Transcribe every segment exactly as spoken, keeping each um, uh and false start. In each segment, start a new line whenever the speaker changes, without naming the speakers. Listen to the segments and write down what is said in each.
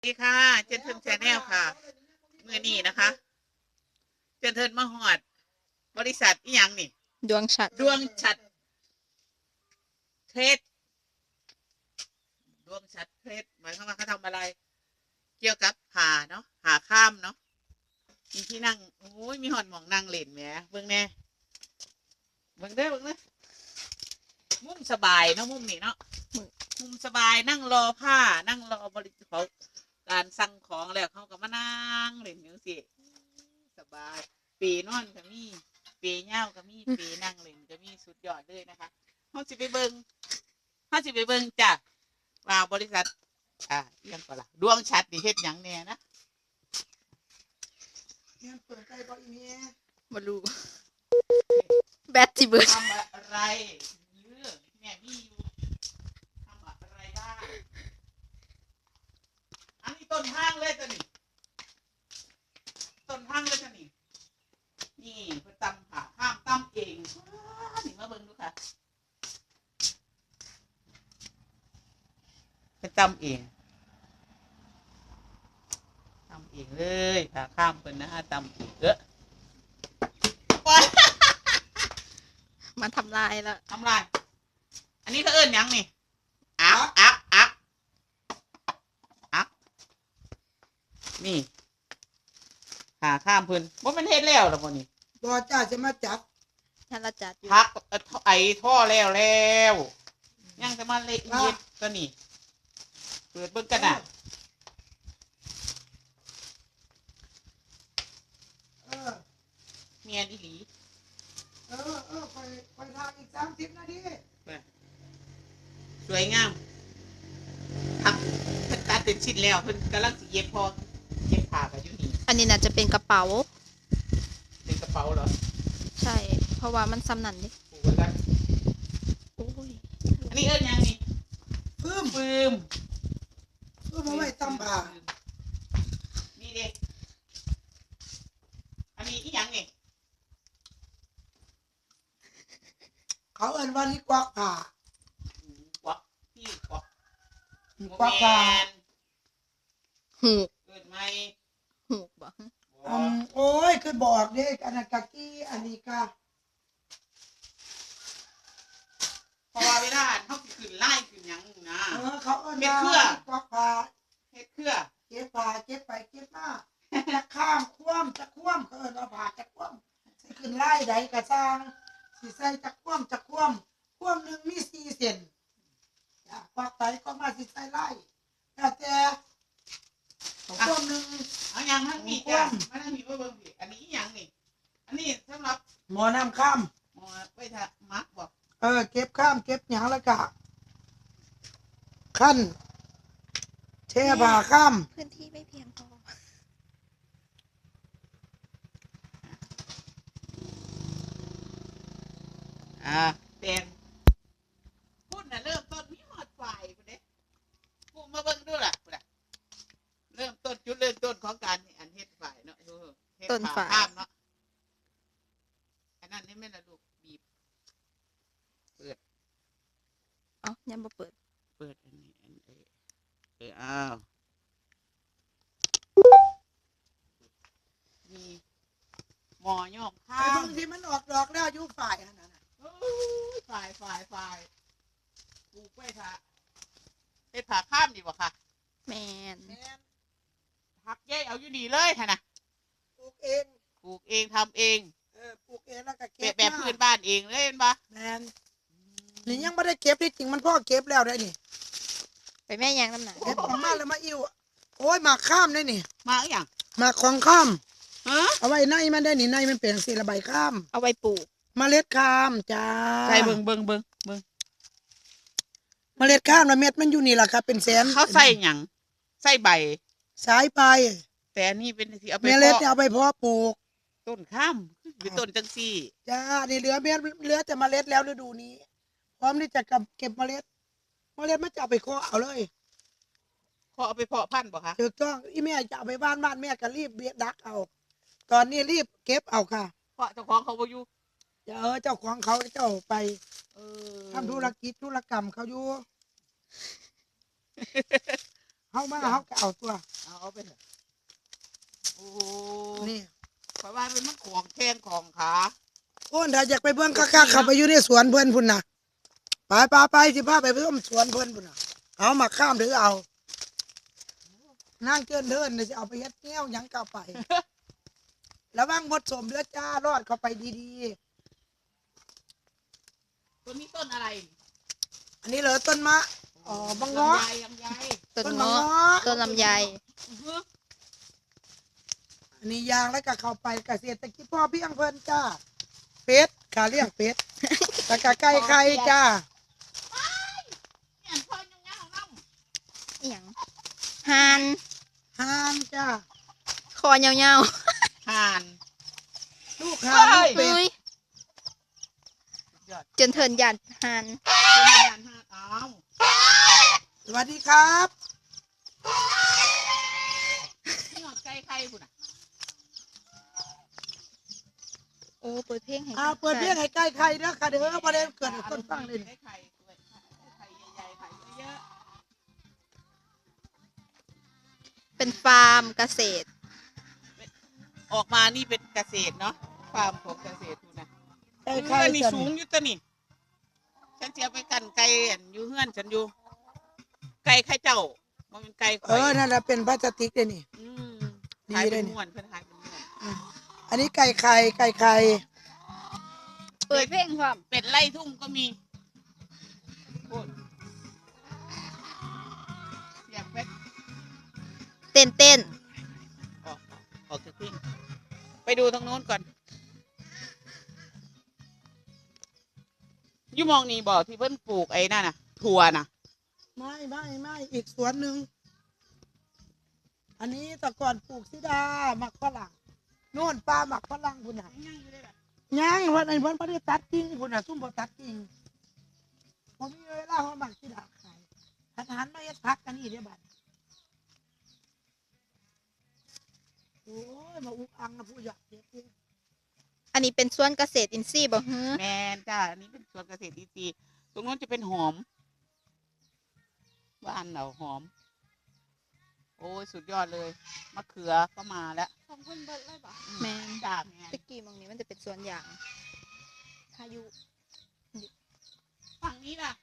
สวัสดีค่ะเจนเทิร์นแชนแนลค่ะมือนี้นะคะเจนเทิร์นมาหอดบริษัทอีหยังนี่
ดวงฉัตร
ดวงฉัตรเทรดดวงฉัตรเทรดหมายความว่าเขาทำอะไร เกี่ยวกับผ่าเนาะผ่าข้ามเนาะมีที่นั่งโอ้ยมีหอดหมองนั่งเล่นแหมเบิ่งแน่เบิ่งเด้อเบิ่งเด้อมุมสบายเนาะมุมนี้เนาะมุมสบายนั่งรอผ้านั่งรอบริเขาการสั่งของแล้วเขาก็มานั่งเล่นอย่างสิสบายปีนอนก็มีปีเง่าก็มีปีนั่งเล่นก็มีสุดยอดเลยนะคะเขาสิไปเบิ่งเขาสิไปเบิ่งจ้ะว่าบริษัทอ่าเอียงก่อนละดวงชัดดิเฮ็ดหยังแน่นะ
ยังเปิดใจบ่อีเมีย
มารู้แบตจิเบิร์ด
ทำอะไรเยอะแม่มีอยู่ทำอะไรบ้างอันนี้ต้นทางเลยจ้ะนี่ต้นทางเลยจ้ะนี่นี่เพื่อตำผ่าข้ามตำเองนี่มาเบิ่งดูค่ะเป็นตำเองตำเองเลยผ่าข้ามเป็นนะฮะตำเองเออ
มันทำลายแล้ว
ทำไรอันนี้เขาเอิ้นยังนี่อักอักอักอักนี่หาข้ามเพิ่นว่ามันเฮ็ดแล้วหรอบ่นี่
บ่จ้าจะมาจับ
ท่านละจัดอยู่
พักไอ้ท่อแล้วแล้วยังจะมาเละเฮ็ดก็นี่เปิดเบิ่งกันน่ะ
เออ
เมียนอีหลี
เออเออไปไปทางอีกสามสิบนาที
สวยงามทักเพิ่นตัดเป็นชิ้นแล้วเพิ่นกำลังสิเย็บพอเย็บผ้าก็อยู่นี่
อันนี้น่าจะเป็นกระเป๋า
เป็นกระเป๋าเหรอ
ใช่ เพราะว่ามันซ้ำนั่นดิ
ผูกไว้กัน
โอ้ย
อันนี้เอิ้นยังนี่
ปื้ม
ปืม
ปื้มเอาไว้ตำผ่า
นี่เด็กอันนี้อีหยังนี่
เขาเอิ้นว่านี่กวักผ่า
ควักพี่ควัก
กวักผ่า
หูก
เกิดไหม
หูกบ่
อืมโอ้ยคือบอกเด้อันนั้นกะกี้อันนี้กะ
เพราะว่าเวลาเขาสิขึ้นไล่ขึ้นหยังนะ
เออเขาเอิ้น
เฮ็ด
ว่า
เครือ
กวักผ่า
เฮ็ดเครือ
เก็บผ่าเก็บไปเก็บมาจะข้ามคว่ำจะคว่ำเขาเอิ้นว่าผ่าจะคว่ำสิขึ้นไล่ใดกะสร้างสิใส่จะคว่ำจะคว่ำคว่ำหนึ่งมีสี่เซนจ้ะกวักไปก็มาสิใส่ไล่แล้วแต่ของคว่ำหนึ่ง
เอาหยังทั้งมีจ้ะมาทั้งมีว่าเบิ่งสิอันนี้อีหยังนี่อันนี้สำหรับ
หมอน้ำข้าม
หมอไว้ถ้ามักบอก
เออเก็บข้ามเก็บหยางแล้วก็ขั้นเทผ่าข้าม
พื้นที่ไม่เพียงพอ
อ่าเป็นพูดน่ะเริ่มต้นมีหอดฝ่ายพุ่นเด้พูดมาเบิ่งดูล่ะพุ่นน่ะเริ่มต้นจุดเริ่มต้นของการอันเฮ็ดฝ่ายเนาะเออเฮ็ดผ่ข้ามเนาะอันนั้นนี่แม่นละลูกบีบ
เอ้ายังบ่เปิด
เปิดอันนี้อันเออเอออ้าวมีหมอย่อมข้า
ไอ้
ม
บางทีมันออกดอกแล้วอยู่ฝ่ายนั่นน่ะ
โอ้ยฝ่ายฝ่ายฝ่ายปลูกไว้ค่ะเฮ็ดผ่าข้ามดีกว่าค่ะ
แมน
แม่น
หักแยกเอาอยู่ดีเลยค่ะนะ
ปลูกเอง
ปลูกเองทำเอง
เออปลูกเองแล้วก็
แบ
เก็
บบ แบบพื้นบ้านเองเลยเห็นปะ
แม่นนี่ยังไม่ได้เก็บที่จริงมันพ่อเก็บแล้วได้นี่
ไปแม่ยังน้ำหนัก
เก็บออกมาแล้วมาอิ่วโอ้ยหมากข้ามได้นี่
มาอหย่าง
หมากของข้าม
ฮะ
เอาไว้ในมันได้นี่ในมันเป็นสีระบายข้าม
เอาไว้ปลูก
เมล็ดข้ามจ้า
ใส่เบิงเบิงเบิงเบิง
เมล็ดข้ามแล้วเม็ดมันอยู่นี่แหละครับเป็นแสน
เขาใส่หยังใส่ใบ
สายไป
แต่อันนี้เป็นที่เอาไป
เมล็ด
เพาะ
เนี่ยเอาไปเพาะปลูก
ต้นข้ามหรือต้นจังซี่
จ้า นี่เหลือเม็ดเหลือแต่เมล็ดแล้วฤดูนี้ พร้อมที่จะเก็บเมล็ด เมล็ดมันจะเอาไปเคาะเอาเลย
เขาเอาไปเพาะพันธุ์บ่คะ
ถูกต้องอีแม่จะเอาไปบ้านบ้านแม่ก็รีบเบียดดักเอา ตอนนี้รีบเก็บเอาค่ะ
เพราะเจ้าของเขาบ่อยู่
เออเจ้าของเขาเจ้าไป
เออ
ทำธุรกิจธุรกรรมเขาอยู่ เขามาเขาก็เอาตัว
เอาไปเถอะโอ้
นี่
เพราะว่าเป็นมันของแข้งของขา
โอ้ถ้าอยากไปเบิ่งคักๆเข้าไปอยู่ในสวนเพิ่นพุ่นน่ะไปไปไปสิพาไปเบิ่งสวนเพิ่นพุ่นน่ะเอามาข้ามหรือเอานั่งเกินเทินน่ะสิเอาไปเฮ็ดแก้วหยังก็เอาไป ระวังมดสมเด้อจ้ารอดเข้าไปดี
ตัวนี้ต้นอะไร
ๆอันนี้เหรอต้นมะอ๋อบังเงาะ
ลำไยลำไย
ต้น
บัง
เงาะ
เงาะ
ต้นลำไย
อื้อหือ
อันนี้ยางแล้วก็เข้าไปเกษตรกิจพ่อเพียงเพิ่นจ้าเป็ดขาเลี้ยงเป็ดตะกะไก่ไข่จ้า
เนี่ยพ่อยังเงาน้
อหย่างห่าน
ห่านจ้า
คอยาว
ำห่าน
ลูกห่านลูก
ๆ
เป็ด
เฮ้ย
ยอด
จนเทินหยัดห่าน
เป็นห่านห่านเอา
สวัสดีครับ
นี่หอดไก่ไข่คุณอ่ะ
โอ้เปิดเพลงให้
อ่าเปิดเพียงให้ใกล้ไข่เด้อค่ะเด้อบ่ได้เกิดให้คนฟังเลย
ไก่ไข่ด้วยไข่ใหญ่ๆไข่เยอะ
เป็นฟาร์มเกษตร
ๆออกมานี่เป็นเกษตรเนาะฟาร์มของเกษตรคุณนะ
ใกล้
เอ
ไข่
อนี่
จ้ะ
สูงอยู่ตัวนี่ฉันเสียไปกันไก่อันอยู่เฮือนฉันอยู่ ไก่ไข่เจ้ามันเป็นไก่ข่
เออนั่นน่ะเป็นพลาสติกเด้อนี่
อืม
ดี
ขาย
เล
เป็
ย
น
นี่
ม้วนเพิ่นขายเป็นม้วน
อืมอันนี้ไก่ไข่ไก่ไข่
เปิดเพลงความ
เป็ดไล่ทุ่งก็มีโอ้ยอยากเป็ด
เต้นเต้น
ออกออกจากที่ไปดูทางโน้นก่อนอยูมองนี่บอกที่เพิ่นปลูกไอ้นั่นน่ะถั่วน่ะ
ไม่ไม่ไม่อีกสวนหนึ่งอันนี้แต่ก่อนปลูกซิดาหมักฝรั่งโน่นปลาหมักฝรั่งพุ่นน่ะ
ยังอยู่เลยล่ะ
ย่างวันไหนเพิ่นบ่ได้ตัดกิ่งพุ่นน่ะซุ่มบ่ตัดกิ่งผมมีเวลาเฮาหมักซิดาขายอาหารมาเฮ็ดผักกันนี่เด้อบัดโอ้ยมาอุกอังนะผู้อยากเฮ็ดเอง
อันนี้เป็นสวนเกษตรอินทรีย์บ่ฮือ
แมนจ้าอันนี้เป็นสวนเกษตรอินทรีย์ตรงโน้นจะเป็นหอมบ้านเราหอม โอ้ยสุดยอดเลยมะเขือก็มาแล้ว
ของเพิ่นเบิดเลยบ่
อื
แม่น
จ้าแมน
ตะกี้มองนี้มันจะเป็นสวนยางพายุ
ฝั่งนี้ล่ะ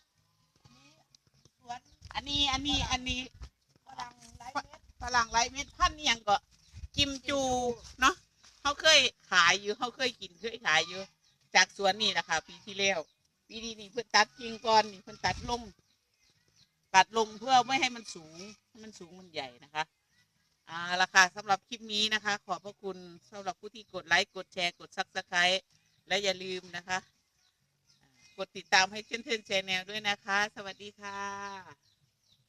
สวน
อันนี้อันนี้อันนี้
ฝรั่งหลายเม็ด
ฝรั่งไรเม็ดพันธุ์นี่ยังก็กิมจูเนาะเขาเคยขายอยู่เขาเคยกินเคยขายอยู่ จากสวนนี่แหละค่ะปีที่แล้วปีนี้นี่เพิ่นตัดกิ่งก่อนนี่เพิ่นตัดลงตัดลงเพื่อไม่ให้มันสูงให้มันสูงมันใหญ่นะคะอ่าราคาสำหรับคลิปนี้นะคะ ขอบพระคุณสำหรับผู้ที่กดไลค์กดแชร์กดซับสไครต์และอย่าลืมนะคะ กดติดตามให้เช่นเทนแชนแนลด้วยนะคะ สวัสดีค่ะ